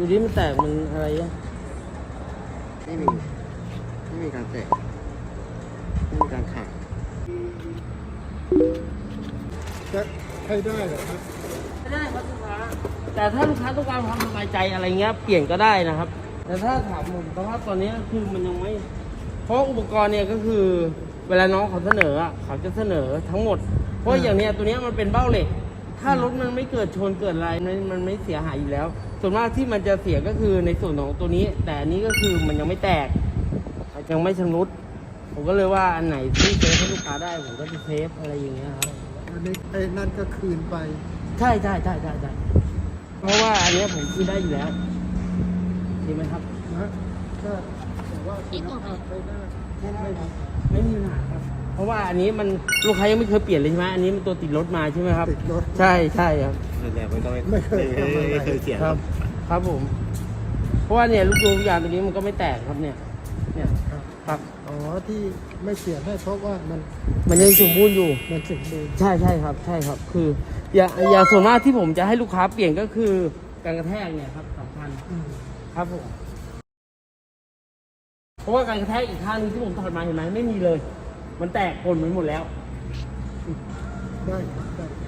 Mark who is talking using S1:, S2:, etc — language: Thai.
S1: ดูดิมันแตกมันอะไรอ่ะ
S2: ไม่มีการแตกไม่มีการขาด
S3: จะให้ได้เหรอครับ
S1: ไม่ได้ครับลูกค้าแต่ถ้าลูกค้าต้องการความสบายใจอะไรเงี้ยเปลี่ยนก็ได้นะครับแต่ถ้าถามผมสภาพตอนนี้คือมันยังไม่เพราะอุปกรณ์เนี่ยก็คือเวลาน้องเขาเสนอเขาจะเสนอทั้งหมดเพราะอย่างเนี้ยตัวเนี้ยมันเป็นเบ้าเหล็กถ้ารถมันไม่เกิดชนเกิดอะไรมันไม่เสียหายอยู่แล้วส่วนมากที่มันจะเสียก็คือในส่วนของตัวนี้แต่อันนี้ก็คือมันยังไม่แตกยังไม่ชำรุดผมก็เลยว่าอันไหนที่เซฟให้ลูกค้าได้ผมก็จะเซฟอะไรอย่างเงี้ยครับ
S3: อันนี้ไอ้นั่นก็คืนไป
S1: ใช่เพราะว่าอันเนี้ยผมคืนได้อยู่แล้วดีไหมครับ
S3: นะก็แต่ว่าคุณภาพไปได้
S1: ไม่มีปัญหาครับเพราะว่าอันนี้มันลูกค้ายังไม่เคยเปลี่ยนเลยใช่ไหมอันนี้มันตัวติดรถมาใช่ไหมครับ
S3: ติดรถ
S1: ใช่ครับ
S2: แต่มันก็
S3: ไม่เคย
S2: เสีย
S1: ครับผมเพราะว่าเนี่ยลูกยางตัวนี้มันก็ไม่แตกครับเนี่ยครับ
S3: อ๋อที่ไม่เปลี่ยนให้เพราะว่า
S1: มันยังสมบูรณ์อยู่
S3: มันสมบูรณ์
S1: ใช่ครับคืออย่าส่วนมากที่ผมจะให้ลูกค้าเปลี่ยนก็คือการกระแทกเนี่ยครับสำคัญครับผมเพราะว่าการกระแทกอีกข้างนึงที่ผมถอดมาเห็นไหมไม่มีเลยมันแตกปนไปหมดแล้ว
S3: ได้ครับได้